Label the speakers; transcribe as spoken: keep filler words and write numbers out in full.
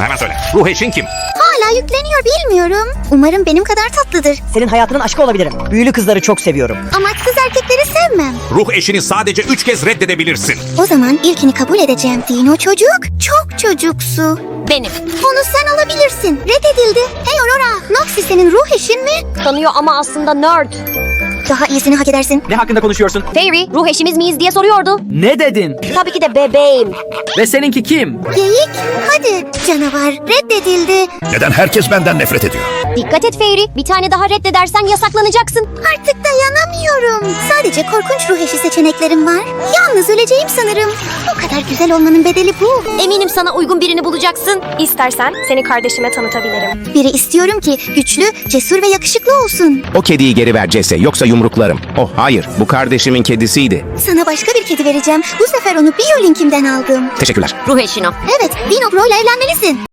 Speaker 1: Hemen söyle. Ruh eşin kim?
Speaker 2: Hala yükleniyor, bilmiyorum. Umarım benim kadar tatlıdır.
Speaker 3: Senin hayatının aşkı olabilirim. Büyülü kızları çok seviyorum.
Speaker 2: Amaçsız erkekleri sevmem.
Speaker 1: Ruh eşini sadece üç kez reddedebilirsin.
Speaker 2: O zaman ilkini kabul edeceğim. Dino çocuk. Çok çocuksu.
Speaker 4: Benim.
Speaker 2: Onu sen alabilirsin. Reddedildi. Hey Aurora. Noxy senin ruh eşin mi?
Speaker 4: Tanıyor ama aslında nerd.
Speaker 2: Daha iyisini hak edersin.
Speaker 5: Ne hakkında konuşuyorsun?
Speaker 4: Fairy, ruh eşimiz miyiz diye soruyordu.
Speaker 5: Ne dedin?
Speaker 4: Tabii ki de bebeğim.
Speaker 5: Ve seninki kim?
Speaker 2: Geyik. Hadi. Canavar. Reddedildi.
Speaker 6: Neden herkes benden nefret ediyor?
Speaker 4: Dikkat et Fairy, bir tane daha reddedersen yasaklanacaksın.
Speaker 2: Artık dayanamıyorum. Sadece korkunç ruh eşi seçeneklerim var. Yalnız öleceğim sanırım. Bu kadar güzel olmanın bedeli bu.
Speaker 4: Eminim sana uygun birini bulacaksın.
Speaker 7: İstersen seni kardeşime tanıtabilirim.
Speaker 2: Biri istiyorum ki güçlü, cesur ve yakışıklı olsun.
Speaker 8: O kediyi geri ver Jesse, yoksa yumruklarım. Oh hayır, bu kardeşimin kedisiydi.
Speaker 2: Sana başka bir kedi vereceğim. Bu sefer onu Biolink'imden aldım.
Speaker 8: Teşekkürler.
Speaker 4: Ruh eşin o.
Speaker 2: Evet, Dino Bro ile evlenmelisin.